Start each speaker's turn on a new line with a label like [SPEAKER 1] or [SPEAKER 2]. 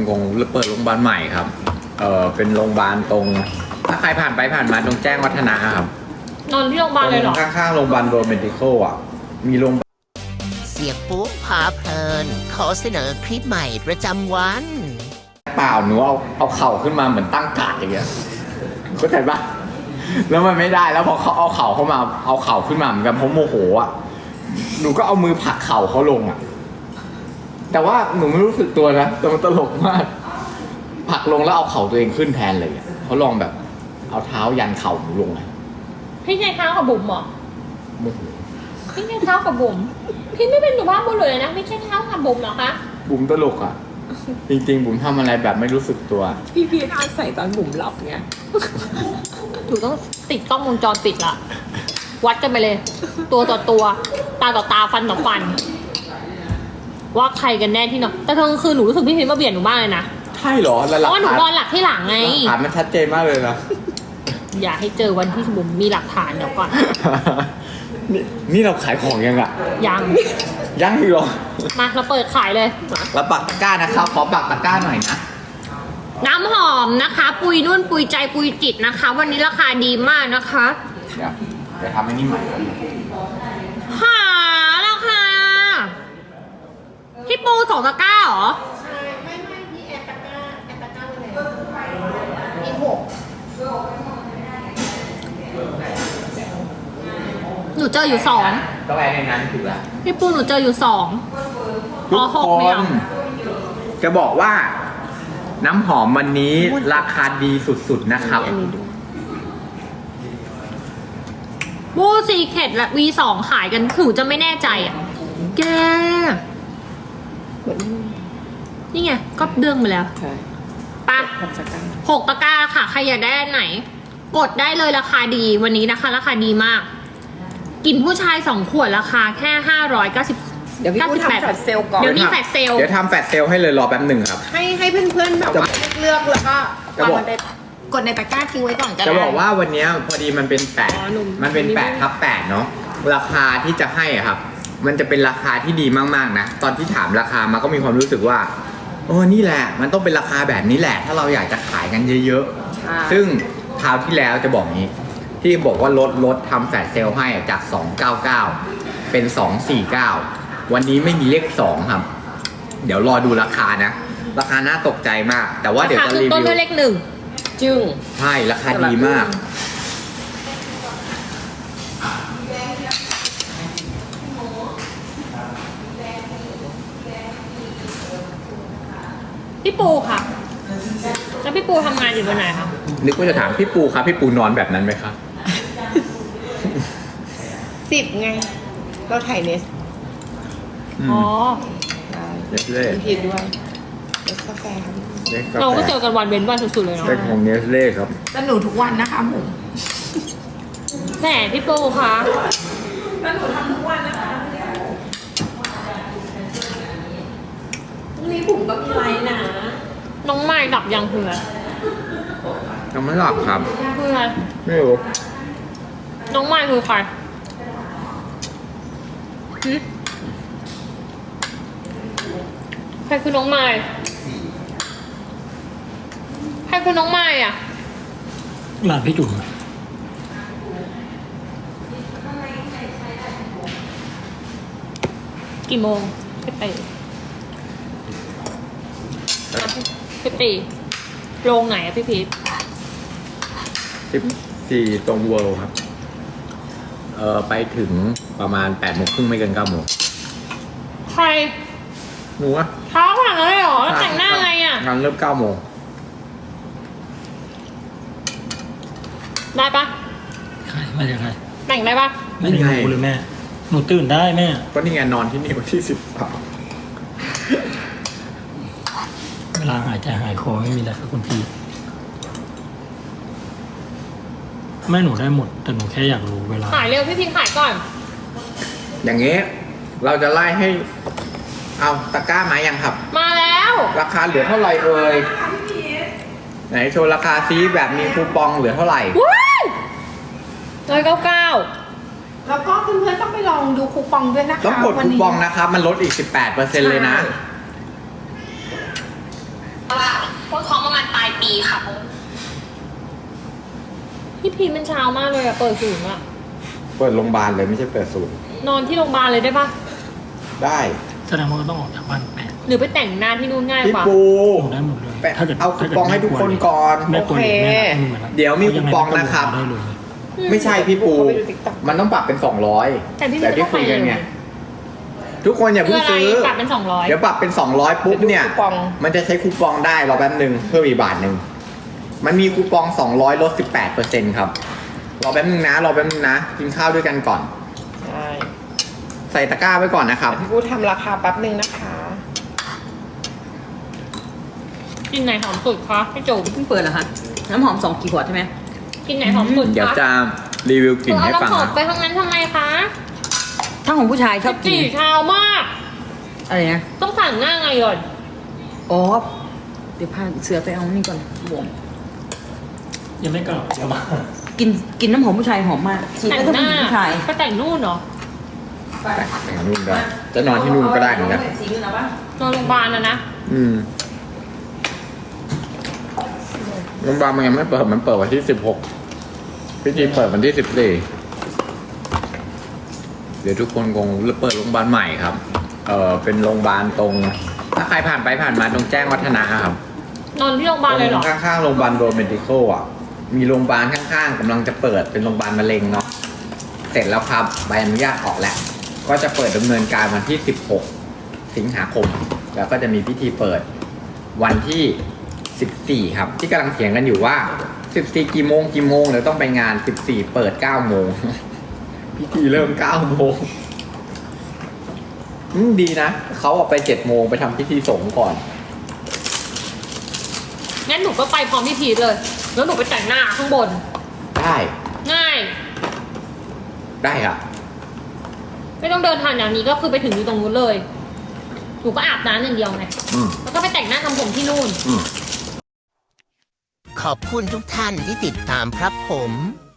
[SPEAKER 1] กงเปิดโรงพยาบาลใหม่ครับเป็นโรงพยาบาลตรงถ้าใครผ่านไปผ่านมาตรงแจ้งวัฒนะครับ
[SPEAKER 2] นอนที่โรงพยาบาลเลยเหรอ
[SPEAKER 1] ข้างๆโรงพยาบาลโรเมดิคอลอ่ะมีโรง
[SPEAKER 3] เสียปุ๊พาเพลิน ขอเสนอคลิปใหม่ประจำวัน
[SPEAKER 1] เปล่าหนูเอาเข่าขึ้นมาเหมือนตั้งการ์ดอย่างเงี้ยเข้าใจปะแล้วมันไม่ได้แล้วพอเขาเอาเข่าเข้ามาเอาเข่าขึ้นมาเหมือนกันเพราะโมโหอ่ะหนูก็เอามือผลักเข่าเขาลงอ่ะแต่ว่าหนูไม่รู้สึกตัวนะแต่มันตลกมากผลักลงแล้วเอาเข่าตัวเองขึ้นแทนเลยอ่ะเขาลองแบบเอาเท้ายันเข่าหนูลงไง
[SPEAKER 2] พี่ใช้เท้ากับบุ๋มเหรอ
[SPEAKER 1] โมโห
[SPEAKER 2] พี่ใช้เท้ากับบุ๋มพี่ไม่เป็นหนูบ้าบุญเลยนะไม่ใช่เท้ากับบุ๋มเหรอคะ
[SPEAKER 1] บุ๋มตลกอ่ะจริงๆบุ๋มทำอะไรแบบไม่รู้สึกตัว
[SPEAKER 4] พี่พีทอาศัยตอนบุ๋มหลับไง
[SPEAKER 2] หนูต้องติดกล้องวงจรปิดละวัดกันไปเลย ตัวต่อตัวตาต่อตาฟันต่อฟัน ว่าใครกันแน่ที่นอนแต่ตอนกลางคืนหนูรู้สึกพี่พีทมาเบียดหนูมากเลยนะ
[SPEAKER 1] ใช่เหรอแล้วห
[SPEAKER 2] เพ
[SPEAKER 1] ลัก
[SPEAKER 2] ราะว่าหนู
[SPEAKER 1] ฐาน
[SPEAKER 2] นอนหลับที่หลังไง
[SPEAKER 1] หลักฐานมันชัดเจนมากเลยนะ
[SPEAKER 2] อย่าให้เจอวันที่บุ๋มมีหลักฐานเดี๋ยวก่อน
[SPEAKER 1] นี่เราขายของยังอ่ะ
[SPEAKER 2] ยัง
[SPEAKER 1] ยังอีกเหรอ
[SPEAKER 2] มาเราเปิดขายเลย
[SPEAKER 1] แล้วปักตะกร้านะครับขอปักตะกร้าหน่อยนะ
[SPEAKER 2] น้ำหอมนะคะ ปุยนุ่นปุยใจปุยจิตนะคะ วันนี้ราคาดีมากนะคะ
[SPEAKER 1] เดี๋ยวจะทำให้นี่ใหม่
[SPEAKER 2] หาราคาพี่ปู2 ตะกร้าเหรอหนูเจออยู่2
[SPEAKER 1] ก็แปลในนั้นถูกแล้ว
[SPEAKER 2] พี่ปูหนูเจออยู่2
[SPEAKER 1] ทุก
[SPEAKER 2] หก
[SPEAKER 1] ค
[SPEAKER 2] ไม่
[SPEAKER 1] น
[SPEAKER 2] เอา
[SPEAKER 1] จะบอกว่า น้ำหอมวันนี้ราคาดีสุดๆนะครับ
[SPEAKER 2] บูซีเคทและ V2 ขายกันหนูจะไม่แน่ใจอ่ะแกนี่ไงก็เดืองไปแล้ว
[SPEAKER 4] ใช่
[SPEAKER 2] ปะ
[SPEAKER 4] ผมจะกัน
[SPEAKER 2] 6 ตะกร้าค่ะ ใครอยากได้อันไหน กดได้เลยราคาดีวันนี้นะคะ ราคาดีมาก กินผู้ชาย2 ขวดราคาแค่590
[SPEAKER 4] เดี๋ยวพี่พูดทำแฟลชเซลก่อน
[SPEAKER 2] เดี๋ยวนี้แฟลชเซล
[SPEAKER 1] เดี๋ยวทำแฟลชเซลให้เลยรอแป๊บหนึ่งครับ
[SPEAKER 4] ให้เพื่อนๆแบบว่าเลือกแล้วก็
[SPEAKER 1] จะบอก
[SPEAKER 4] กดในตะกร้าทิ้งไว้ก่อนก็ได้
[SPEAKER 1] จะบอกว่าวันนี้พอดีมันเป็นมันเป็น8/8เนาะราคาที่จะให้อะครับ มันจะเป็นราคาที่ดีมากๆนะตอนที่ถามราคามาก็มีความรู้สึกว่าโอ้นี่แหละมันต้องเป็นราคาแบบนี้แหละ ถ้าเราอยากจะขายกันเยอะ
[SPEAKER 4] ใช่
[SPEAKER 1] ๆซึ่งคราวที่แล้วจะบอกนี้ ที่บอกว่าลดทำแฟลชเซลให้จาก 299 เป็น 249 วันนี้ไม่มีเลข 2 ครับ เดี๋ยวรอดูราคานะ ราคาน่าตกใจมาก แต่ว่าเดี๋ยว
[SPEAKER 2] ราคา
[SPEAKER 1] จะ
[SPEAKER 2] คือ
[SPEAKER 1] รี
[SPEAKER 2] ต้น
[SPEAKER 1] วิว
[SPEAKER 2] ด้วยเลข
[SPEAKER 4] จึ้ง
[SPEAKER 1] ใช่ราคาดีมาก
[SPEAKER 2] 1พี่ปูค่ะแล้วพี่ปูทำงานอยู่บนไหนคะ
[SPEAKER 1] นึกว่าจะถามพี่ปูครับพี่ปูนอนแบบนั้นไหมครับ
[SPEAKER 4] 10 ไง เราถ่ายเนส
[SPEAKER 2] อ๋อ
[SPEAKER 1] เนสเล่
[SPEAKER 4] พี่พีทด้วยเนสกาแฟ
[SPEAKER 2] เราก็เจอกันวันเว้นวันสุดๆเลยเนาะ
[SPEAKER 1] เป็นของเนสเล่ครับ
[SPEAKER 4] แต่หนูทุกวันนะคะผม
[SPEAKER 2] แหมพี่ปูคะ
[SPEAKER 4] แล้วหนูทำทุกวันนะคะพรุ่งนี้ผมก็มีไลน์นะ
[SPEAKER 2] น้องไม้ดับยังคืออะไร
[SPEAKER 1] ยังไม่หลับครับ
[SPEAKER 2] คืออะไร
[SPEAKER 1] ไม่รู้
[SPEAKER 2] น้องไม้คือใครหึใครคือน้องไม้ใครคือน้องไม้อ่ะ
[SPEAKER 5] หลานพี่จุ๋มอะ
[SPEAKER 2] กี่โมงพี่ตีพี่ตีโรงไหนอะพี่พีท
[SPEAKER 1] 14ตรงเวิลด์ครับ ไปถึงประมาณ8:30ไม่เกิน9 โมง
[SPEAKER 2] ใคร
[SPEAKER 1] หนูอะ
[SPEAKER 2] เท้าผ่านเลยเหรอแล้วแต่งหน้าไงอ่ะ
[SPEAKER 1] งานเริ่ม9 โมง
[SPEAKER 2] ได้ปะ
[SPEAKER 5] ใครมาจากใคร
[SPEAKER 2] แต่งได้ปะ
[SPEAKER 5] ไม่ได้รู้เลยแม่ หนูตื่นได้แม่
[SPEAKER 1] ก็นี่ไงนอนที่นี่วันที่13
[SPEAKER 5] เวลาหายใจหายคอไม่มีแล้วครับคุณพี่แม่หนูได้หมด แต่หนูแค่อยากรู้เวลา
[SPEAKER 2] ขายเร็วพี่พีทขายก่อน
[SPEAKER 1] อย่างเงี้ยเราจะไล่ให้ เอาตะกร้ามายังครับ
[SPEAKER 2] มาแล้ว
[SPEAKER 1] ราคาเหลือเท่าไหร่เอ่ยไหนโชว์ราคาซีแบบมีคูปองเหลือเท่าไหร่
[SPEAKER 2] ว้าย199
[SPEAKER 4] แล้วก็เพื่อนๆต้องไปลองดูคูปองด้วยนะคะ
[SPEAKER 1] ต้องกด
[SPEAKER 4] วั
[SPEAKER 1] คู
[SPEAKER 4] นี้
[SPEAKER 1] ปองนะครับ มันลดอีก 18%เลยนะ
[SPEAKER 4] อะไร
[SPEAKER 6] ปีค่ะ
[SPEAKER 2] พี่พีมันเช้ามากเลยอะเปิดศูนย์อะ
[SPEAKER 1] เปิดโรงพยาบาลเลยไม่ใช่เปิดศูนย์
[SPEAKER 2] นอนที่โรงพยาบาลเลยได้ปะ
[SPEAKER 1] ได้
[SPEAKER 5] แสดงว่าก็ต้องออกจากบ้าน8
[SPEAKER 2] หรือไปแต่งหน้าที่นู่นง่าย
[SPEAKER 1] พี่
[SPEAKER 2] กว่า
[SPEAKER 1] ปู
[SPEAKER 5] อยู่ได้หมดเลย
[SPEAKER 1] ไปเอาคูปองให้ทุกคนก่อน
[SPEAKER 5] แม่กลัวเด็กแม่รักลูกไหมล่ะ
[SPEAKER 1] เดี๋ยวมีคูปองนะครับ
[SPEAKER 5] ได้เลย
[SPEAKER 1] ไม่ใช่พี่ปู
[SPEAKER 4] เขาไปดู TikTok
[SPEAKER 1] มันต้องปรับเป็น 200
[SPEAKER 2] แต่พี่
[SPEAKER 1] ที่คุยกันไงทุกคนอย่า
[SPEAKER 2] เพื่
[SPEAKER 1] เพิ่
[SPEAKER 2] อง อะไร
[SPEAKER 1] ซื้อ
[SPEAKER 2] ปรับเป็น200
[SPEAKER 1] เดี๋ยวปรับเป็น 200 ปุ๊บเนี่ย
[SPEAKER 4] คูปอง
[SPEAKER 1] มันจะใช้คูปองได้รอแป๊บนึงเพิ่มอีกบาทหนึ่งมันมีคูปอง 200 ลด 18%ครับรอแป๊บนึงนะกินข้าวด้วยกันก่อน
[SPEAKER 4] ใช่
[SPEAKER 1] ใส่ตะกร้าไว้ก่อนนะครับ
[SPEAKER 4] พี่พูดทำราคาแป๊บนึงนะคะ
[SPEAKER 2] กินไหนหอมสุดคะพี่จุ๋ม
[SPEAKER 7] เพิ่งเปิดเหรอคะ น้ำหอม2 กี่ขวดใช่ไหม
[SPEAKER 2] กินไหนหอมสุด
[SPEAKER 1] เดี๋ยว
[SPEAKER 2] คะ
[SPEAKER 1] จะรีวิวกลิ่นให้
[SPEAKER 2] เอา
[SPEAKER 1] ฟัง
[SPEAKER 2] น้ำหอม
[SPEAKER 1] นะ
[SPEAKER 2] ไปทางนั้นทำไมคะ
[SPEAKER 7] ถ้าของผู้ชายชอบกิน
[SPEAKER 2] จี่เช้ามาก
[SPEAKER 7] อะไรนะ
[SPEAKER 2] ต้องสั่งหน้าไงก่อน
[SPEAKER 7] อ๋อ เดี๋ยวพาเสือไปเอานี่ก่อนบวม
[SPEAKER 5] ยังไม่กลับเดี๋ยวมา
[SPEAKER 7] กินน้ำหอมผู้ชายหอมมากฉีด
[SPEAKER 2] แต่
[SPEAKER 7] แล้ว
[SPEAKER 2] ง
[SPEAKER 7] ก็
[SPEAKER 2] หน้า
[SPEAKER 7] ผู้หญิงผู้ชาย
[SPEAKER 2] ไปแต่งนู่นเหรอ
[SPEAKER 1] แต่งนู่นได้จะนอนที่นู่นก็ได้เหมือนกัน
[SPEAKER 7] สีนู่นนะปะ
[SPEAKER 2] นอนโรงพยาบาลนะ
[SPEAKER 1] โรงพยาบาลมันยังไม่เปิดมันเปิดวันที่ 16พิธีเปิดวันที่ 14เดี๋ยวทุกคนคงเปิดโรงพยาบาลใหม่ครับเป็นโรงพยาบาลตรง ถ้าใครผ่านไปผ่านมาตรงแจ้งวัฒนะครับ
[SPEAKER 2] นอนที่โรงพยาบาลเลยเหรอ
[SPEAKER 1] ข้างๆโรงพยาบาลโรเมดิโคอ่ะ มีโรงพยาบาลข้างๆกำลังจะเปิดเป็นโรงพยาบาลมะเร็งเนาะ เสร็จแล้วครับใบอนุญาตออกแล้ว ก็จะเปิดดำเนินการวันที่ 16 สิงหาคม แล้วก็จะมีพิธีเปิดวันที่ 14 ครับ ที่กำลังเถียงกันอยู่ว่า 14 กี่โมงเดี๋ยวต้องไปงาน 14 เปิด 9 โมง พิธีเริ่ม 9 โมงดีนะ เขาออกไป 7 โมงไปทำพิธีสงฆ์ก่อน
[SPEAKER 2] งั้นหนูก็ไปพร้อมพี่พีทเลย แล้วหนูไปแต่งหน้าข้างบน
[SPEAKER 1] ได้
[SPEAKER 2] ง่าย
[SPEAKER 1] ได้ครับ
[SPEAKER 2] ไม่ต้องเดินทางอย่างนี้ก็คือไปถึงอยู่ตรงนู้นเลย หนูก็อาบน้ำอย่างเดียวไง
[SPEAKER 1] อืม
[SPEAKER 2] แล้วก็ไปแต่งหน้าทำผมที่นู่น
[SPEAKER 3] ขอบคุณทุกท่านที่ติดตามครับผม